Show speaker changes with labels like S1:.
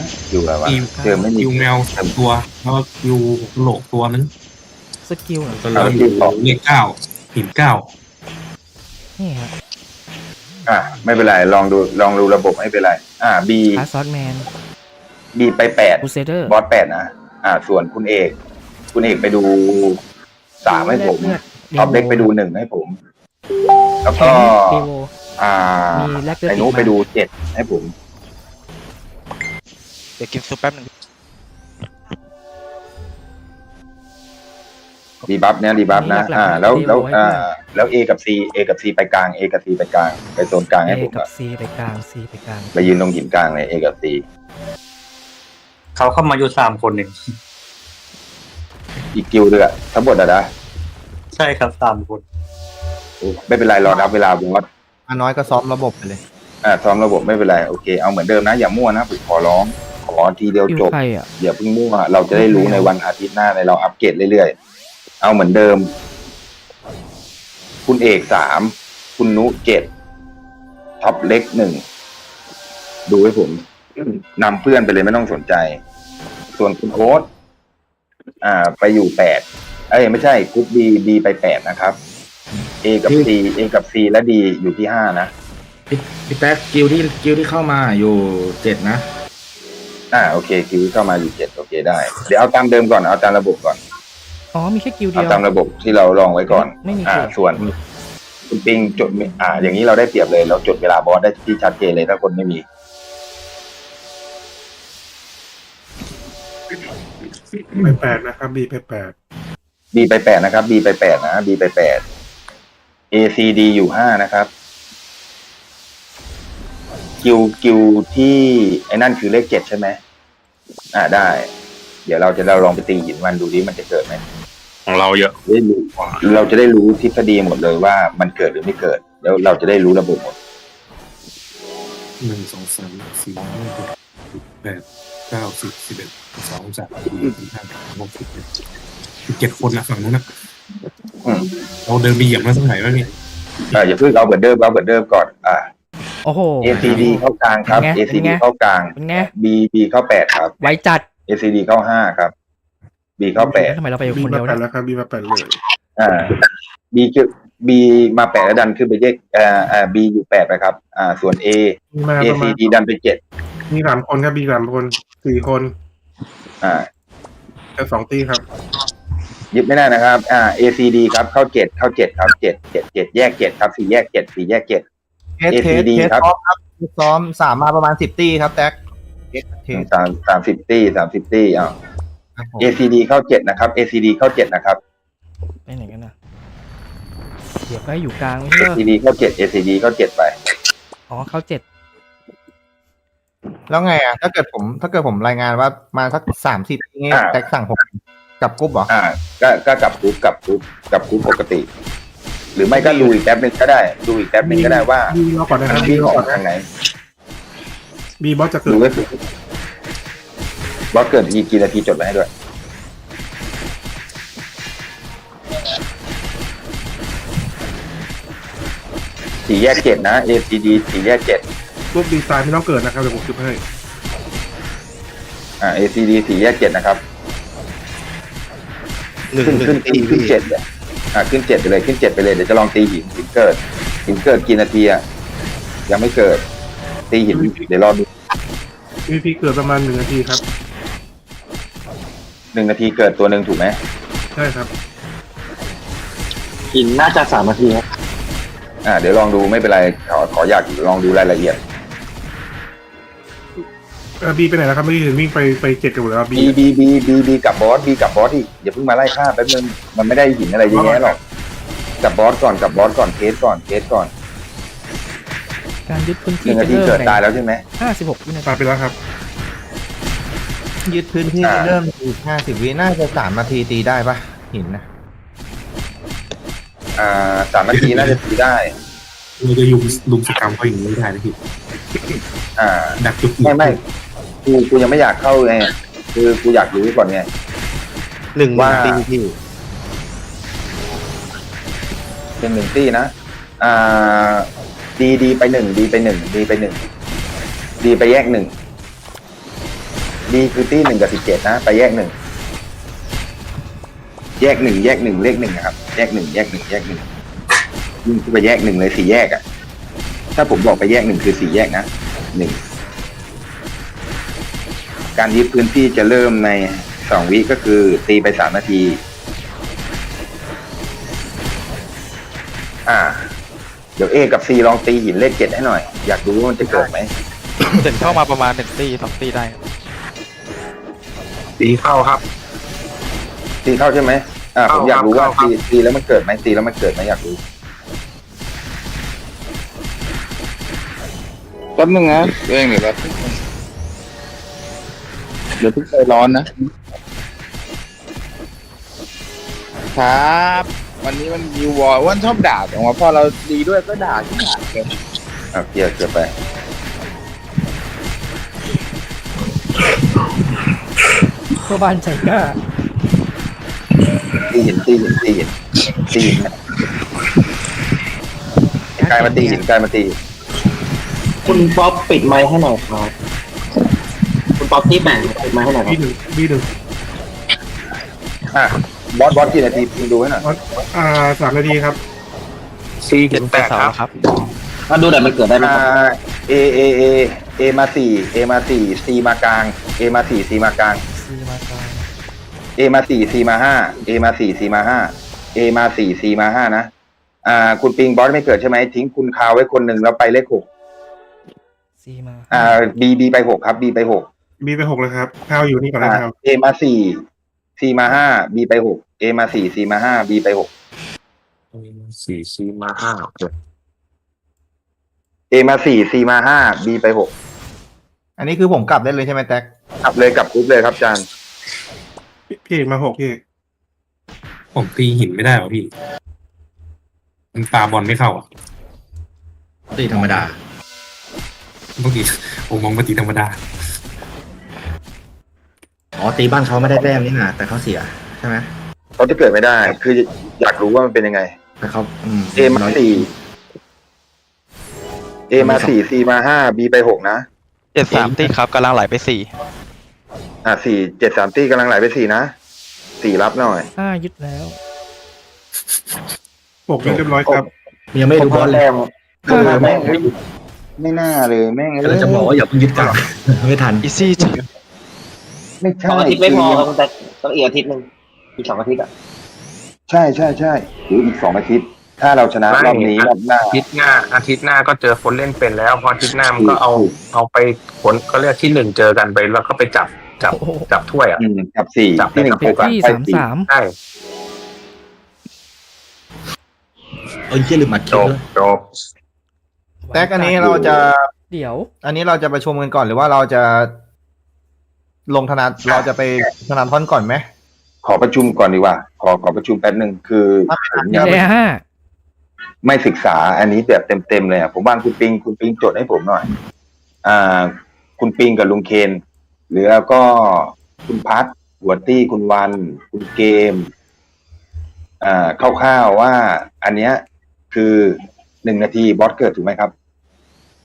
S1: อยู่อะไรวะ
S2: มี
S1: เจอไม่มี
S2: คิวแมวสามตัวแล้วก็คิวโหลกตัวนึง
S3: สกิลเหรอ
S2: ก็เราอยู่เลขเก้าหินเก้า
S3: นี่ฮะ
S1: ไม่เป็นไรลองดูระบบไม่เป็นไรบี
S3: คาซอสแมน
S1: บีไป8
S3: บูเซเดอร์
S1: บอส8นะส่วนคุณเอกไปดู3ให้ผมท็อปเด็กไปดู1ให้ผม แล้วก็
S3: เดโว มีแลกเกอร์
S1: ไอ้นุไปดู7ให้ผม
S4: เดี๋ยวกินซุปแป๊บหนึง
S1: รีบัฟเนี่ยรีบัฟนะแล้ว A กับ C ไปกลาง A กับ C ไปกลางไปโซนกลางให้
S3: เอ
S1: ผม
S3: กับซีไปกลางซีไปกลาง
S1: ไปยืนตรงหินกลางเลย A กับ C
S5: เขาเข้ามาอยู่3 คนเอง
S1: อีกกิลด์ด้วยทั้งหมดนะ
S5: ใช่ครับ3 คน
S1: ไม่เป็นไรรอนับเวลาบอส
S6: น้อยก็ซ้อมระบบไปเลย
S1: ซ้อมระบบไม่เป็นไรโอเคเอาเหมือนเดิมนะอย่ามั่วนะผมขอร้องขอทีเดียว
S3: อยู่
S1: จบ
S3: ใครอ่ะ
S1: อย่าเพิ่งมั่วเราจะได้รู้ในวันอาทิตย์หน้าในเราอัปเกรดเรื่อยๆเอาเหมือนเดิม คุณเอก3คุณนุ7ท็อปเล็ก1ดูให้ผมนำเพื่อนไปเลยไม่ต้องสนใจ ส่วนคุณโอ๊ตไปอยู่8ไม่ใช่กรุ๊ป B ไป8นะครับ A กับ C และ D อยู่ที่5นะ
S7: พี่แท็กกิลที่เข้ามาอยู่7นะ
S1: โอเคคิวเข้ามาอยู่7โอเคได้เดี๋ยวเอาตามเดิมก่อนเอาตามระบบก่อน
S3: อ๋อมีแค่กิลเดี
S1: เอา
S3: ยว
S1: ตามระบบที่เราลองไว้ก่อน
S3: ไม่มีกิล
S1: ส่วนคุณปิงจดอย่างนี้เราได้เปรียบเลยเราจดเวลาบอสได้ที่ชัดเจนเลยถ้าคนไม่มี
S8: ไป8นะครับบีไป8
S1: B ไป8นะครับ B ไป8นะ B ไป8 A C D อยู่5นะครับคิวที่ไอ้นั่นคือเลข7ใช่ไหมได้ เดี๋ยวเราลองไปตีหินมันดูดิมันจะเกิดไหม
S2: ของเราเยอะ
S1: เราจะได้รู้ทฤษฎีหมดเลยว่ามันเกิดหรือไม่เกิดแล้วเราจะได้รู้ระบบหมด
S2: 1 2 3 4 5 6 7 8 9 10 11 12 13 14 15 16 17คนนะฝั่งนู้นนะเราเดินไปเหยียบมาสักไหนวะเนี่ย
S1: อย่าเพิ่งเอาเบิร์ดเดิมก่อน
S3: โอ้โห
S1: ACD เข้ากลางครับ ACD เข้ากลาง
S3: เป็นไง
S1: B เข้า8ครับ
S3: ไว้จัด
S1: ACD เข้า5ครับ B เข้า8
S3: ทำไมเราไป
S8: บี
S3: คน
S8: มา
S3: เดียว
S8: 8
S3: นะ
S8: แล้วครับบีมา8เลย
S1: B มา8แล้วดันขึ้นไปแยกB อยู่8ไปครับส่วน
S8: มีมาประมาณ
S1: ACD ดันไป7
S8: มี3 คนครับบี3 คน4 คนแต่2 ตีครับ
S1: ยึดไม่ได้นะครับACD ครับเข้า7ครับ7แยก7ครับ4แยก7 4แยก7 ACD ครับ
S6: ซ้อม3มาประมาณ10 ตีครับแท็ก
S1: 30 ตี้ACD เข้า7นะครับ ACD เข้า7นะครับ
S3: ไปไหนกันนะเดี๋ยวไปอยู่กลางไม่ใช่เหรอ
S1: ACD เข้า7 ACD เข้า7ไป
S3: อ๋อเข้า7
S6: แล้วไงถ้าเกิดผมรายงานว่ามาสัก30นี่แท็กสั่งผมกับกรุ๊ปเหรอ
S1: ก็กับกรุ๊ปปกติ หรือไม่ก็ดูอีกแป๊บนึงก็ได้ว่า
S8: บีรอก่อนนะครับ
S1: วิ่งออกทางไหน
S8: บีบอสจะเกิ
S1: ดู
S8: ด
S1: ก็คือบอสเกิดกี่นาทีจดไว้ให้ด้วย4แยก7นะ ACD 4แยก7
S8: รูปดีไซน์ไม่ต้องเกิดนะครับเดี๋ยวผมคิดให้
S1: ACD 4แยก7นะครับขึ้น7เนี่ยขึ้น7ไปเลยเดี๋ยวจะลองตีหินเกิดกี่นาทียังไม่เกิดตีหินเดี๋ยวรอดู
S8: มีพีเกิดประมาณ1 นาทีครับ
S1: 1 นาทีเกิดตัวหนึ่งถูกไหม
S8: ใช่ครับ
S5: หินน่าจะ3 นาทีครับ
S1: เดี๋ยวลองดูไม่เป็นไรขออยากลองดูรายละเอียด
S8: บีไปไหนแล้วครับไม่ได้เห็นวิ่งไป7กันหมดแล้วบี
S1: B กับบอสอีกอย่าเพิ่งมาไล่ฆ่าแป๊บนึงมันไม่ได้หินอะไรเยอะแยะหรอกกับบอสก่อนเทสก่อน
S3: การยึดพื้นที่
S1: 1 นาทีเกิดตายแล้วใช่ไหม
S3: 56 วินาที
S8: ตายไปแล้วครับ
S6: ยึดพื้นที่เริ่มอีก50 วิน่าจะ3 นาทีตีได้ปะหินนะ
S1: 3 นาทีน่าจะตีได้
S2: เราจะลุมสกรรมเขาอย่างนี้ไม่ได้นะพี่ ดักจุด
S1: ไม่กูยังไม่อยากเข้าไงคือกูอยากรู้ก่อนไง
S6: 1
S1: ว่า
S6: ตีที่
S1: เป็น1 ตี้นะดีไป1ดีไปแยก1 ดีคือตี1 กับ 17นะไปแยก1แยก1แยก1เลข1นะครับแยก1แยก1แยก1ยิ่งไปแยก1เลย4แยกอ่ะถ้าผมบอกไปแยก1คือ4แยกนะ1การยึดพื้นที่จะเริ่มใน2 วิก็คือตีไป3 นาทีเดี๋ยว A กับ C ลองตีหินเลข7ให้หน่อยอยากรู้ว่ามันจะเกิดไหม
S4: เสร็จเข้ามาประมาณ1 ตี2 ตีได้ครับ
S8: ตีเข้าครับ
S1: ตีเข้าใช่ไหมผมอยากรู้ว่า
S8: เข้าครับ
S1: ตีแล้วมันเกิดไหมตีแล้วมันเกิดไหมอยากรู้
S9: แป๊บนึงนะเองเดี๋ยวแบบเดี๋ยวเพิ่งใจร้อนนะครับวันนี้มันมีวอร์วันชอบด่าแต่ว่าพอเราดีด้วยก็ด่าที่ด่าเลย
S1: เกียร์ไป
S3: เพื่อบ้านใจกล้า
S1: ตีหินกลายมาตีหินกลายมาตี
S5: คุณป๊อปปิดไมค์ให้หน่อยครับคุณป๊อปที่แบ่งปิดไมค์ให้หน่อยค
S8: บี
S5: รับ
S8: 1
S1: บอสกี่นาทีคุณดูให้หน่อย
S8: 3 นาทีครับ
S4: เจ็ดไปเสาแล้วครับ
S5: มาดูหน่อยมันเกิดได้ไหมครับ
S1: A มา4 A มา4 C มากลาง A มา4 C มากลาง
S3: ซีมากลาง
S1: A มา4 C มา5 A มา4 C มา5 A มา4 C มา5นะคุณปิงบอสไม่เกิดใช่ไหมทิ้งคุณคาวไว้คนหนึ่งแล้วไปเลข6
S3: ซีมา
S1: B ไป6ครับ B ไป6
S8: บีไป6เลยครับข้าวอยู่นี่ก่อนนะครับ
S1: A มา4 C มา5 B ไป6 A มา4 C มา5 B ไป6
S2: 4 C มา5
S1: A มา4 C มา5 B ไป6
S6: อันนี้คือผมกลับได้เลยใช่ไหมแท็ก
S1: กลับเลยกลับกรุ๊ปเลยครับอาจารย์
S8: พี่เอกมา6พี่เอก
S2: ผมตีหินไม่ได้หรอพี่ มันปาบอลไม่เข้าอ่ะ
S7: ตีธรรมดา
S2: ปกติผมมองปกติธรรมดา
S7: อ๋อ ตีบ้านเขาไม่ได้แต้มนี่นะแต่เขาเสียใช่ไหม
S1: เขาจะเกิดไม่ได้ คืออยากรู้ว่ามันเป็นยังไง
S7: แต่เขา
S1: A มา4 A มา4 C มา5 B ไป6นะ
S4: 7 3 ตีครับกำลังไหลไป4
S1: 4 7 3ตีกำลังไหลไป4นะ4รับหน่อย
S3: ยึดแล้ว
S8: 6เรียบร้อยครับ
S7: ยังไม่ดูบอลเลย
S1: ไม่น่าเลยแม่ง
S7: เราจะบอกว่าอย่าเพิ่งยึดกลับ ไม่ทัน
S4: อีซี่จัง
S1: ไม่ใช่
S5: 2 อาทิตย์ไม่พอครับแต่ต้องอีกอาทิตย์หนึ่งอีก2 อาทิตย์อ่ะ
S1: ใช่หรืออีก2 อาทิตย์ ถ้าเราชนะรอบนี้รอบหน้า
S10: อาทิตย์หน้าก็เจอคนเล่นเป็นแล้วพออาทิตย์หน้ามันก็เอาไปผลก็เรียกที่1เจอกันไปแล้วก็ไปจับถ้วยอ่ะ
S1: จับ4
S10: จับ
S1: ที่1
S3: เฟ
S1: ถูก
S3: ที่
S1: ไป
S3: 33
S10: ใช่
S7: ยี่ลืมอัดคลิปด้วย
S10: จบ
S6: แท็กอันนี้เราจะ
S3: เดี๋ยว
S6: อันนี้เราจะประชุมกันก่อนหรือว่าเราจะลงธนาเราจะไปธนาธรก่อนไหม
S1: ขอประชุมก่อนดีกว่า ขอประชุมแป๊บนึงคือผม
S3: ดี
S1: ยัง
S3: เลย
S1: ไม่ศึกษาอันนี้แบบเต็มเลยอ่ะผมวางคุณปิงจดให้ผมหน่อยคุณปิงกับลุงเคนหรือแล้วก็คุณพัทหัวตี้คุณวันคุณเกมคร่าวๆว่าอันเนี้ยคือ1 นาทีบอสเกิดถูกไหมครับ